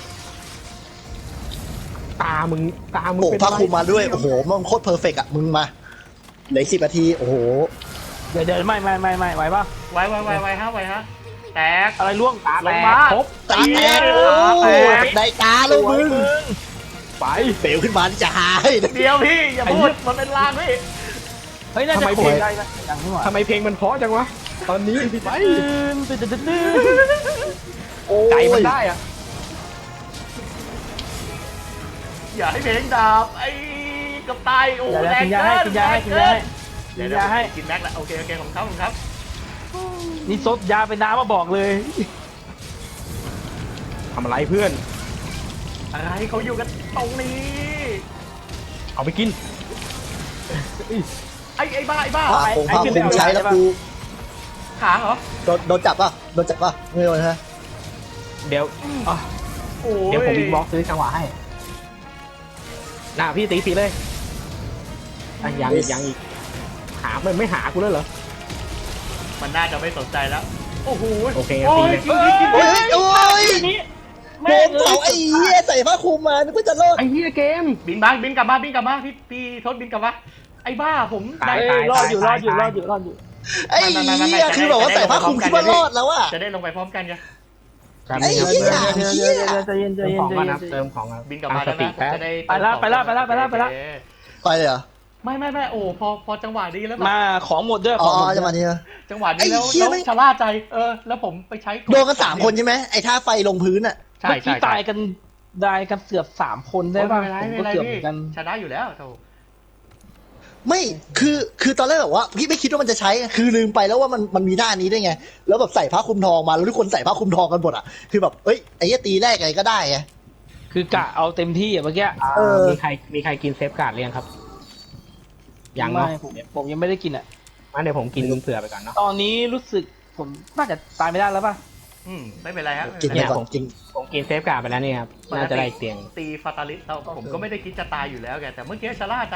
Speaker 4: ตามึง
Speaker 2: โอ้
Speaker 4: เป็น
Speaker 2: พา
Speaker 4: อะไร
Speaker 2: คุมมาด้วยโอ้โหมันโคตรเพอร์เฟกต์อ่ะมึงมาเหลือ10 นาทีโอ้โห
Speaker 3: เดี๋ยวไม่ไหวปะ
Speaker 1: ไวฮะไวฮะแตก
Speaker 3: อะไรล่วง
Speaker 1: ลงมา
Speaker 3: ครบ
Speaker 2: ตาแตก
Speaker 1: โอ้
Speaker 2: โอ้
Speaker 1: โห
Speaker 2: ได้ตาแล้วมึง
Speaker 4: ไป
Speaker 2: เปลวขึ้นมาที่จะหายนะ
Speaker 1: เดี๋ยวพี่อย่าพูดมันเป็นลางพี่
Speaker 3: เฮ้ยน่าจะโผล่ได้นะอย่างนี้หว่า
Speaker 4: ทำไมเพลงมันเพราะจังวะตอนนี้ไป
Speaker 3: ตื่น
Speaker 2: โอ้
Speaker 4: ใจมัน
Speaker 2: ย
Speaker 4: ได้อะ
Speaker 1: อย่าให้เพลงดาบไอ้กับตายโอ้
Speaker 3: เดี๋ยว
Speaker 1: แรง
Speaker 3: กินยา
Speaker 1: เกิ
Speaker 3: ให้
Speaker 1: น
Speaker 3: กินยาให้กินยาให้กิ
Speaker 1: เดี๋ย
Speaker 3: น
Speaker 1: วย
Speaker 3: าให้
Speaker 1: กินแม็กแล้วโอเคของเขาของครับ
Speaker 3: นี่ซดยาเป็นน้ำมาบอกเลย
Speaker 4: ทำอะไรเพื่อน
Speaker 1: อะไรเขาอยู่กันตรงนี้
Speaker 4: เอาไปกิน
Speaker 1: ไอ้บ้า
Speaker 2: พาคุมใช้แล้วกู
Speaker 1: ขาเหรอ
Speaker 2: โดนจับป่ะไม่โดนฮะ
Speaker 4: เดี๋ยวอ่ะ
Speaker 1: โอ้
Speaker 4: เดี๋ยวผมบิ๊กบ็อกซื้อจังหวะให้น่าพี่ตีสีเลยอ่ะยังอีกหามันไม่หากูแล้วเหรอ
Speaker 1: มันน่าจะไม่สนใจแล้วโอ้โห
Speaker 4: โอเค
Speaker 1: โอ้ย
Speaker 4: ตีเลย
Speaker 1: กิน
Speaker 2: โอ้ยโอ้ย
Speaker 3: นี่
Speaker 2: โดนเผาไอ้เหี้ยใส่ผ้าคลุมมานึกว่าจะรอด
Speaker 4: ไอ้เหี้ยเกม
Speaker 1: บินกลับมาพี่ทศบินกลับมาไอ้บ้าผม
Speaker 4: ตาย
Speaker 3: รอดอยู่
Speaker 4: ตาย
Speaker 2: ไอ้เหี้ยคือแบบว่าใส่ผ้าคลุมคิดว่ารอดแล้วอะ
Speaker 1: จะได้ลงไปพร้อมกันไง
Speaker 2: ไอ้เหี้ย
Speaker 3: ใจเย็น
Speaker 4: เติมของก่อนนะเติมของครับ
Speaker 1: บินกลับมาแล้ว
Speaker 4: ตั้งสติ
Speaker 1: นะ
Speaker 4: แป๊บ
Speaker 1: จะได้
Speaker 3: ไปละไปละ
Speaker 2: ไปเลยเหรอ
Speaker 1: ไม่โอ้พอจังหวะนี้แล้วแบบ
Speaker 3: มาของหมดด้วย
Speaker 2: อ๋อจะมาเนี่ย
Speaker 1: จังหวะนี้แล้ว
Speaker 2: ไอ้เหี้ยไม่
Speaker 1: ชะล่าใจแล้วผมไปใช้
Speaker 2: โดนกัน3 คนใช่ไหมไอ้ท่าไฟลงพื้นอะ
Speaker 1: ใช่
Speaker 3: เมื่อกี้ตายกันเกือบ3 คนได้ป่ะ
Speaker 1: ไม่
Speaker 3: ผม
Speaker 1: เป็นไร
Speaker 3: ก็เกือบ
Speaker 1: พี่
Speaker 3: เหมือนกัน
Speaker 1: ชนะอยู่แล้วโธ่
Speaker 2: ไม่คือตอนแรกแบบว่าพี่ไม่คิดว่ามันจะใช้คือลืมไปแล้วว่ามันมีหน้านี้ได้วยไงแล้วแบบใส่ผ้าคลุมทองมาแล้วทุกคนใส่ผ้าคลุมทองกันหมดอะคือแบบเอ้ยไอ้เหี้ยตีแรกไงก็ได้ไง
Speaker 3: คือกะเอาเต็มที่อ่ะเมื่อกี้
Speaker 2: เออ
Speaker 4: มีใครกินเซฟการ์ดเรียงครับยังเนาะ
Speaker 3: ไม่ผมยังไม่ได้กินอ่ะ
Speaker 4: งั้นเดี๋ยวผมกินเผื่อไปก่อนเนาะ
Speaker 3: ตอนนี้รู้สึกผมน่าจะตายไม่ได้แล้วป่ะ
Speaker 1: ไม่เป็นไรครับ
Speaker 2: กินไปก่อนกิน
Speaker 4: ผมกินเซฟการ์ดไปแล้วเนี่ยครับน่าจะได้อีกเตียง
Speaker 1: ตีฟาตาลิสเราผมก็ไม่ได้คิดจะตายอยู่แล้วแกแต่เมื่อกี้ชะล่าใจ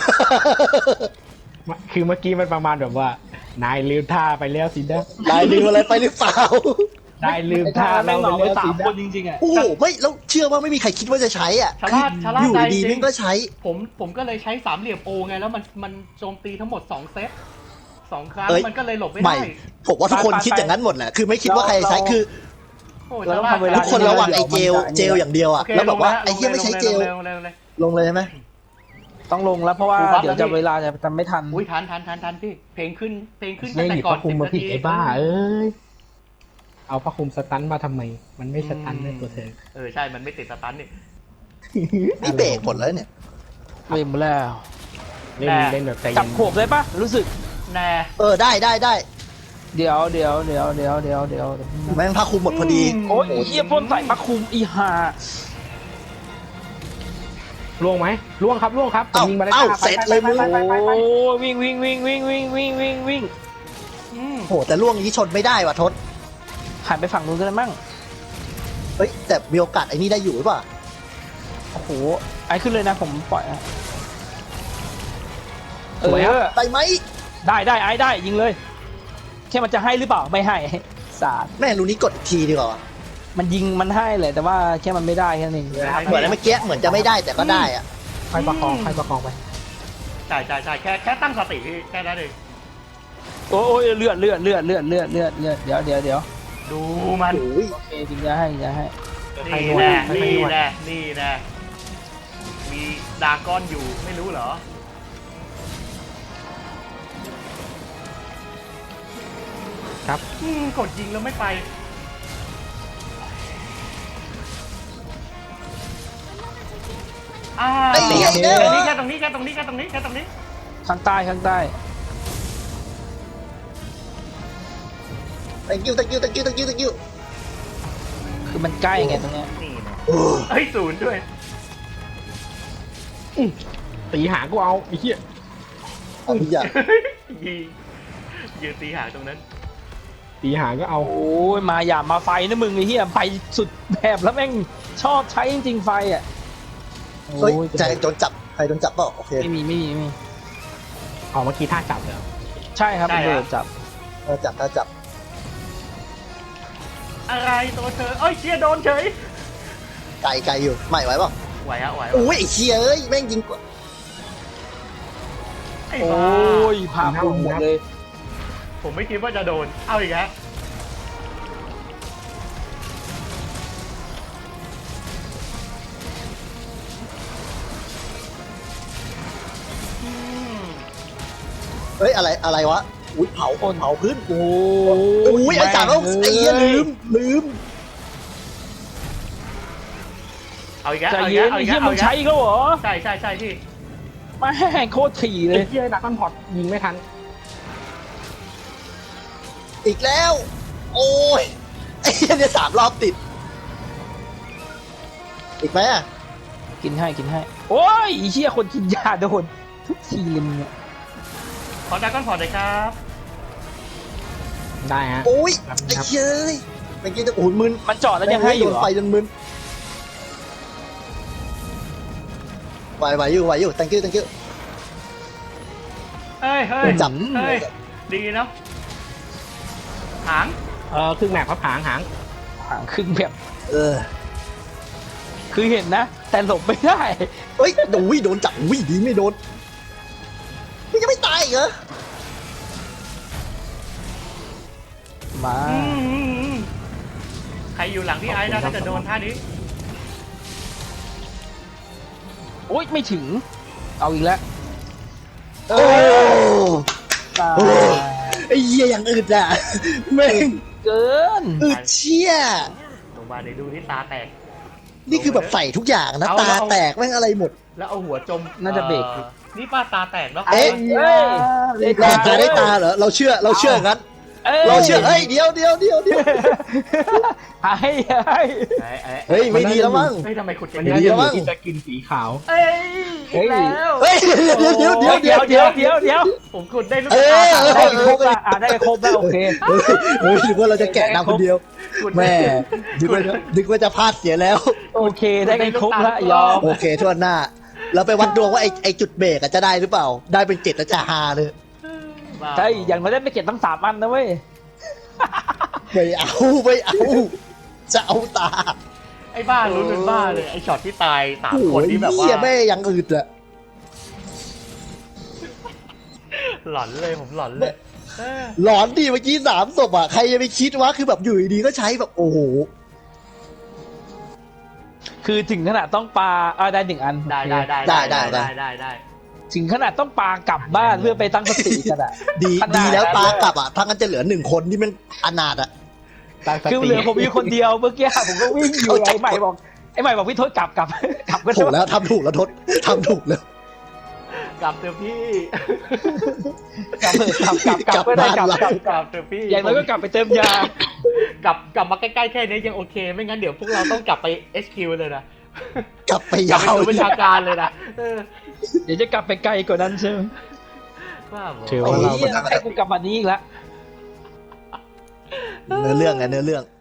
Speaker 4: คือเมื่อกี้มันประมาณแบบว่า นายลืมท่าไปแล้วสินะ
Speaker 2: นายลืมอะไรไปหรือเปล่า
Speaker 4: นายลืมท่า
Speaker 3: แม่
Speaker 4: เรา
Speaker 3: ง
Speaker 4: ไป
Speaker 3: เหมาไป
Speaker 4: แล้วสิ
Speaker 3: 3
Speaker 4: นะ
Speaker 3: คนจริงๆอ่ะ
Speaker 2: โอ้โหไม่แล้วเชื่อว่าไม่มีใครคิดว่าจะใช้อ่ะ
Speaker 1: ชะล่า
Speaker 2: อยู่
Speaker 1: ใจ
Speaker 2: ดี
Speaker 1: จ
Speaker 2: ๆ
Speaker 1: ริ
Speaker 2: แม่งก็ใช้
Speaker 1: ผมก็เลยใช้สามเหลี่ยมโอไงแล้วมันโจมตีทั้งหมด2เซต2ครั้ง
Speaker 2: เอ้ย
Speaker 1: มันก็เลยหลบไม่
Speaker 2: ใหม่
Speaker 1: ได้
Speaker 2: ผมว่าทุกคนคิดอย่างนั้นหมดแหละคือไม่คิดว่าใครจะใช้คือ
Speaker 1: โอ้
Speaker 3: เรา
Speaker 1: ชะ
Speaker 3: ต้อง
Speaker 1: ล่า
Speaker 3: ทำเวลา
Speaker 2: ทุกคนระวังไอ้เจลอย่างเดียวอ่ะ
Speaker 1: โอเค
Speaker 2: แล้วแบบว่า
Speaker 1: ลง
Speaker 2: ไอ้เหี้ยไม่ใช้เจล
Speaker 1: เลย
Speaker 2: ลงเลยใช่ไหม
Speaker 3: ต้องลงแล้วเพราะว่า
Speaker 1: กูบัฟ
Speaker 3: เดี๋ยว
Speaker 1: แล้ว
Speaker 3: จะ
Speaker 1: พี่
Speaker 3: เวลาจะไม่ทัน
Speaker 1: อุ้ยทันพี่เพลงขึ้นตั้
Speaker 4: ไม่
Speaker 1: ง
Speaker 4: ห
Speaker 1: แต่
Speaker 4: ยิบ
Speaker 1: ก่อ
Speaker 4: ผ้าน คลุม
Speaker 1: 10
Speaker 4: มา
Speaker 1: นา
Speaker 4: ผิด
Speaker 1: ที
Speaker 4: ไอ้บ้าเอ้ยเอาผ้าคลุมสตันมาทำไม มันไม่สตันเลยตัวเธอ
Speaker 1: ใช่มันไม่ติดสตันนี่
Speaker 2: นี่เบรกหมดแล้วเนี่ย
Speaker 3: เวมแล้ว
Speaker 4: เล่น
Speaker 1: แน่
Speaker 4: เล่นแบบใจ
Speaker 3: จั
Speaker 4: เย็
Speaker 3: บ
Speaker 4: น
Speaker 3: ขวบเลยป่ะรู้สึก
Speaker 1: แน่
Speaker 2: ได้
Speaker 3: เดี๋ยว
Speaker 2: แม่งผ้าคลุมหมดพอดี
Speaker 3: โอ้ยเหี้ยพ่นใส่ผ้าคลุมอีห่า
Speaker 4: ล่วงไหมล่วงครับล่วงครับผม
Speaker 2: เอ้า
Speaker 4: ยิงมาได้
Speaker 2: เอ้า
Speaker 4: ห้า
Speaker 2: เสร็จเลยมึง
Speaker 3: โอ้วิ่งวิ่ง
Speaker 2: โหแต่ล่วงนี้ชนไม่ได้ว่ะทศ
Speaker 3: หันไปฝั่งนู้นกันเลยมั่ง
Speaker 2: เฮ้ยแต่มีโอกาสไอ้นี่ได้อยู่หรือเปล่า
Speaker 3: โอ้โหไอ้ขึ้นเลยนะผมปล่อยนะ
Speaker 4: สวยครับ
Speaker 2: ได้ไหม
Speaker 3: ได้ไอ้ได้ยิงเลยแค่มันจะให้หรือเปล่าไม่ให้สาด
Speaker 2: แม่รู้นี้กดอีกทีดีกว่า
Speaker 3: มันยิงมันให้เลยแต่ว่าแค่มันไม่ได้แค่นั้นเอง
Speaker 2: เหมือนเมื่อกี้เหมือนจะไม่ได้แต่ก็ได้อ่ะ
Speaker 4: ค่อยประคองไป
Speaker 1: ใช่แค่ตั้งสติพี่แค่นั้นเอง
Speaker 3: โอ้ยเลือดเดี๋ยว
Speaker 1: ดูมัน
Speaker 2: โอ้ย
Speaker 3: โอเคยิงยาให้
Speaker 4: ค่อย
Speaker 1: นี่
Speaker 4: นวด
Speaker 1: แน่
Speaker 4: ค่อย
Speaker 1: นี่
Speaker 4: นวด
Speaker 1: แน่นี่แน่มีดากอนอยู่ไม่รู้เหรอ
Speaker 4: ครับ
Speaker 1: กดยิงแล้วไม่ไป
Speaker 2: ไอ้เหี้ยเนี่ย
Speaker 1: แค่ตรงนี้
Speaker 3: ข้างใต้
Speaker 2: thank you
Speaker 3: คือมันใกล้ไงตรงเนี้ย
Speaker 1: นี่นะ
Speaker 2: โอ้
Speaker 1: เฮ้ยศูนย์ด้วย
Speaker 4: ตีหางกูเอาไอ้เหี้ย
Speaker 2: เอาทุกอย่าง
Speaker 1: ยิงยืนตีหางตรงนั้น
Speaker 4: ตีหางก็เอา
Speaker 3: โอ้ยมาอย่ามาไฟนะมึงไอ้เหี้ยไฟสุดแบบแล้วแม่งชอบใช้จริงๆไฟอ่ะ
Speaker 2: เฮ้ย
Speaker 3: โอ้ย
Speaker 2: ใจโดนจับใครโดนจับเปล่าโอเค
Speaker 3: ไม่มี
Speaker 4: เอาเมื่อกี้ท่าจับเลยเหรอ
Speaker 3: ใช่ครับเบิร์ดจับ
Speaker 2: จับถ้าจับ
Speaker 1: อะไรตัวเธอเอ้ยเชียโดนเฉย
Speaker 2: ไกลอยู่ไม่ไหวเปล่า
Speaker 1: ไหวอะไหว
Speaker 2: โอ้ยไอ้เชียเอ้ยแม่งยิงกว่า
Speaker 1: ไอ้
Speaker 3: โอ้
Speaker 1: บ้าย
Speaker 3: ผ่าปุ่มหมดเลย
Speaker 1: ผมไม่คิดว่าจะโดนเอาอีกแล้วอืม
Speaker 2: เฮ้ยอะไรวะอุ้ยเผาพื้น
Speaker 3: โอ้
Speaker 2: อุ้ยไอ้จ่าแล้วไอ้เหี้ยลืม
Speaker 1: เอาอีกแล้ว
Speaker 3: ใจ
Speaker 1: เอาอีก
Speaker 3: เย็
Speaker 1: แล้
Speaker 3: น
Speaker 1: วเอา
Speaker 3: ไอ้
Speaker 1: อีก
Speaker 3: เหี้
Speaker 1: แล้
Speaker 3: ยว มึ
Speaker 1: เอา
Speaker 3: ง
Speaker 1: อีก
Speaker 3: ใช้
Speaker 1: แล้ว
Speaker 3: ก็เหรอ
Speaker 1: ใช่พี่
Speaker 3: แม่งโคตรถี่เล
Speaker 4: ไอ้
Speaker 3: ย
Speaker 4: เหี้ยดักคอนพอร์ตยิงไม่ทัน
Speaker 2: อีกแล้ว โอ้ยไอ้เหี้ยเนี่ย3 รอบติดอีกไหมอะ
Speaker 3: กินให้โอ้ยไอ้เหี้ยคนกินยาโดนทุกทีเลยมึงเนี่ย
Speaker 1: ขอดราก้อนพอร์ตเลยครับ
Speaker 4: ได้ฮะ
Speaker 2: โอ้ย
Speaker 4: ครับ
Speaker 2: ไอ้เหี้ยเอ้ยเมื่อกี้จะโอ้ยมึน
Speaker 3: มันจอดแล้วยังให้อยู่
Speaker 2: โด
Speaker 3: เห
Speaker 2: น
Speaker 3: รอ
Speaker 2: ไฟจนมึนไหวอยู่ thank you
Speaker 1: เฮ้ย
Speaker 2: โดนจับ
Speaker 1: เฮ้ยดีเนาะหาง
Speaker 4: ครึ่งแมปครับหาง
Speaker 3: ห่างครึ่งแบบ
Speaker 2: เออ
Speaker 3: คือเห็นนะ แต่หลบไม่ได้
Speaker 2: เฮ้ยโดนจับอุ้ยดีไม่โดนมันยังไม่ตายอีกเหรอ
Speaker 3: มา
Speaker 1: ใครอยู่หลังพี่ไอ้นะถ้าจะโดนท่านี้
Speaker 3: โอ๊ยไม่ถึง เอาอีกแล้ว
Speaker 2: โอ้
Speaker 3: ตาย
Speaker 2: โอ้ไอ้เหี้ยอย่างอึดอ่ะแม่ง
Speaker 3: เกิน
Speaker 2: อึดเชี่ย
Speaker 1: ลงมาเดี๋ยวดูที่ตาแตก
Speaker 2: นี่คือแบบใส่ทุกอย่างนะ
Speaker 1: เอา
Speaker 2: ตาแตกแม่งอะไรหมด
Speaker 1: แล้วเอาหัวจม
Speaker 3: น่าจะเบรก
Speaker 1: นี่ป้าตาแตกแล้ว
Speaker 2: เอ๊ะ
Speaker 3: เฮ้ย
Speaker 2: เราได้ตาเหรอเราเชื่องั้นเราเชื่อเฮ้ยเดี๋ยว
Speaker 3: ให้
Speaker 2: เฮ้ยไม่ดีแล้วมั้ง
Speaker 1: เฮ้ยทำไมขุด
Speaker 4: มั
Speaker 1: กัน น
Speaker 4: น่า
Speaker 1: เย
Speaker 4: จะ
Speaker 1: อะ
Speaker 2: มั้
Speaker 4: มี
Speaker 2: ง
Speaker 4: ที่จะกินสีขาว
Speaker 1: เอ้ยอีกแล้ว
Speaker 2: เฮ้ยเดี๋ยว
Speaker 1: ผมขุดได้ลูก
Speaker 2: เอ
Speaker 1: ตา
Speaker 2: อ
Speaker 1: สาม
Speaker 3: ได้ครบละได้ครบแล้วโอเค
Speaker 2: เฮ้ยหรือว่าเราจะแกะดำคนเดียว
Speaker 1: ขุด
Speaker 2: แม่นึกว่าจะพลาดเสียแล้ว
Speaker 3: โอเคได้กันครบละยอม
Speaker 2: โอเคทั่วหน้า เราไปวัดดวงว่าไอจุดเบรกจะได้หรือเปล่า ได้เป็น7แล้วจะฮาเลย
Speaker 1: บ้า
Speaker 3: ใช่อย่างน้อยได้ไม่เก็บตั้ง3 อันนะเว้ย
Speaker 2: ไม่เอาจะเอาตา
Speaker 1: ไอ้บ้าลุ้นเป็นบ้าเลยไอ้ช็อตที่ตาย3
Speaker 2: โอ้
Speaker 1: คน
Speaker 2: ย
Speaker 1: ที่แบบว่า
Speaker 2: เหี้ยแม่ยังอึดอะ
Speaker 1: หลอนเลยผมหลอนเลยเออ
Speaker 2: หลอนดิเมื่อกี้3 ศพอะใครจะไปคิดวะคือแบบอยู่ดีๆก็ใช้แบบโอ้โห
Speaker 3: คือถึงขนาดต้องปาได้1 อัน
Speaker 1: ได้
Speaker 3: ถึงขนาดต้องปากลับบ้านเพื่อไปตั้งสติกันอะ
Speaker 2: ดี
Speaker 3: ขนาด
Speaker 2: ดีแล้ว
Speaker 3: นั้น
Speaker 2: ปากลับอะถ้างั้นจะเหลือ1 คนที่มันอนาถอะ
Speaker 3: คือเหลือผมอยู่คนเดียวเมื่อกี้ผมก็วิ่งอยู่ไอ้ใหม่บอกพี่ทศกลับก็
Speaker 2: ถูกแล้วทำถูกแล้วทศทำถูกแล้ว
Speaker 1: กลับเถอะพี่
Speaker 3: กลับก็ได้กลับ
Speaker 1: กลับเถอะพี่
Speaker 3: อย่างน้อยก็กลับไปเติมยาก
Speaker 1: ลับมาใกล้ๆแค่นี้ยังโอเค ไม่งั้นเดี๋ยวพวกเราต้องกลับไป HQ เลยนะ
Speaker 2: กลับไป
Speaker 1: กลับ
Speaker 2: ยา
Speaker 1: ไป
Speaker 2: ว
Speaker 1: สู่บัญชาการเลยนะเออ
Speaker 3: เดี๋ยวจะกลับไปไกลกว่านั้นใช่ไหม
Speaker 1: ว่าบอก
Speaker 4: ถือ
Speaker 3: โอ้
Speaker 4: ว่าเรา
Speaker 3: ยให้กูกลับวันนี้อีกแล้ว
Speaker 2: เนื้อเรื่องไงเนื้อเรื่อง